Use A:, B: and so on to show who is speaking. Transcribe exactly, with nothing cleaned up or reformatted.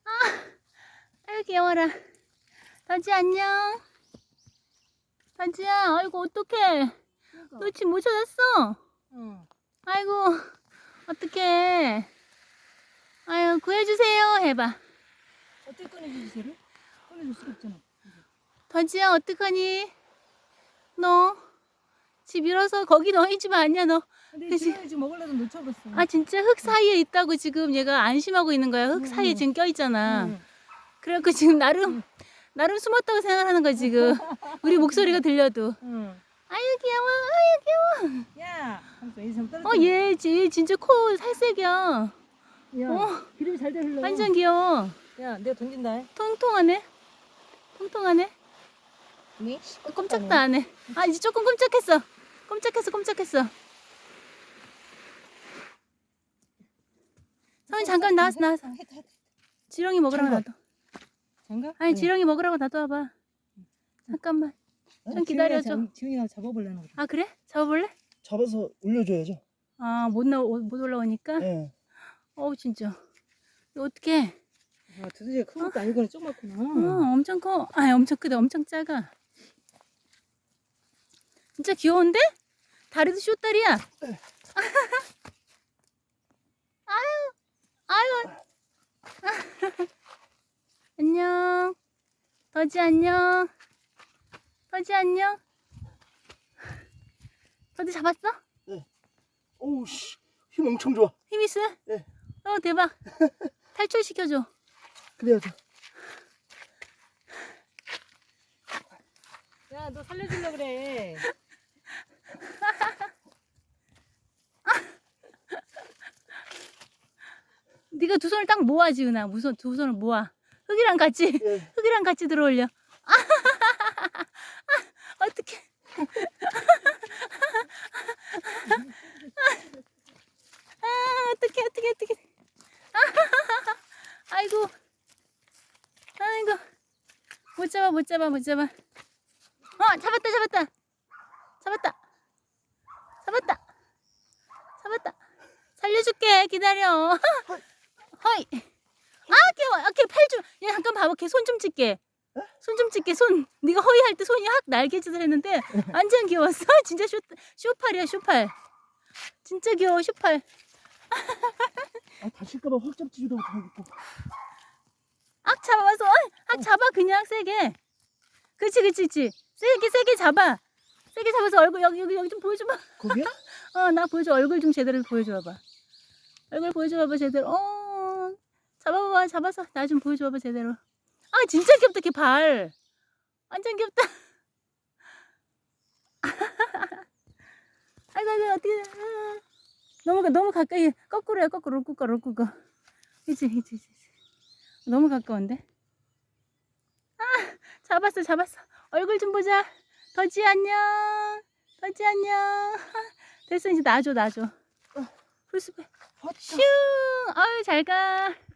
A: 아유 귀여워라. 더지 안녕. 더지야, 아이고 어떡해. 너 집 못 찾았어?
B: 응.
A: 아이고 어떡해. 아유 구해주세요 해봐.
B: 어떻게 꺼내주지 쟤를? 꺼내줄 수가 없잖아.
A: 더지야 어떡하니? 너 집 잃어서 거기 너희 집 아니야 너.
B: 근데
A: 그치?
B: 지금 지금 먹으려다 놓쳐버렸어.
A: 아 진짜 흙 사이에 있다고 지금 얘가 안심하고 있는 거야. 흙
B: 응,
A: 사이에
B: 응.
A: 지금 껴있잖아.
B: 응.
A: 그래갖고 지금 나름 나름 숨었다고 생각하는 거야 지금. 우리 목소리가 들려도.
B: 응.
A: 아유 귀여워, 아유 귀여워.
B: 야, 잠깐 이 사람 떨어져.
A: 어, 얘, 얘 진짜 코 살색이야.
B: 야,
A: 어.
B: 기름이 잘 돼 흘러.
A: 완전 귀여워.
B: 야, 내가 던진다.
A: 통통하네. 통통하네.
B: 니?
A: 꼼짝도 안 해. 아, 이제 조금 꼼짝했어. 꼼짝했어, 꼼짝했어. 성훈이 잠깐 나왔어, 나왔어. 지렁이 먹으라고 놔둬.
B: 장갑?
A: 아니, 지렁이 먹으라고 놔둬봐. 잠깐만. 좀 기다려줘.
B: 지훈이가 잡아보려나 보다.
A: 아, 그래? 잡아볼래?
C: 잡아서 올려줘야죠.
A: 아, 못, 나, 못 올라오니까?
C: 네.
A: 어우, 진짜. 이거 어떡해.
B: 아, 두더지가 큰 것도 아니고 조그맣구나.
A: 어, 엄청 커. 아, 엄청 크다. 엄청 작아. 진짜 귀여운데? 다리도 쇼다리야. 아유, 아유. 안녕. 더지 안녕. 더지 안녕. 더지 잡았어?
C: 오우 씨, 힘 엄청 좋아.
A: 힘 있어?
C: 네.
A: 어, 대박. 탈출시켜줘.
C: 그래야죠.
B: 야, 너 살려주려고 그래.
A: 네가 두 손을 딱 모아, 지은아. 무슨 두 손을 모아. 흙이랑 같이,
C: 네.
A: 흙이랑 같이 들어올려. 아, 어떡해. 아, 어떡해, 어떡해, 어떡해. 아이고. 아이고. 못 잡아, 못 잡아, 못 잡아. 어, 잡았다, 잡았다. 잡았다. 잡았다. 잡았다. 살려줄게. 기다려. 허이. 아, 귀여워. 아, 걔팔 좀. 야, 잠깐 봐봐. 걔 손 좀 찍게. 손 좀 찍게. 손. 네가 허이 할 때 손이 확 날개짓을 했는데 완전 귀여웠어. 진짜 쇼, 쇼팔이야, 쇼팔. 진짜 귀여워, 쇼팔.
C: 아, 다칠까봐 확 잡지도 못하겠고.
A: 악 잡아서, 악 잡아, 그냥 세게. 그치, 그치, 그치. 세게, 세게 잡아. 세게 잡아서 얼굴, 여기, 여기, 여기 좀 보여줘봐.
C: 거기야?
A: 어, 나 보여줘. 얼굴 좀 제대로 보여줘봐. 얼굴 보여줘봐, 제대로. 어, 잡아봐, 잡아서. 나 좀 보여줘봐, 제대로. 아, 진짜 귀엽다, 걔 발. 완전 귀엽다. 아이고, 아이고, 어떻게. 너무, 너무 가까이. 거꾸로야, 거꾸로, 거꾸로, 거꾸로. 그치, 그치, 그치. 너무 가까운데? 아, 잡았어, 잡았어. 얼굴 좀 보자. 더지 안녕. 더지 안녕. 됐어, 이제 놔줘, 놔줘. 풀숲에. 슝! 아유, 잘 가.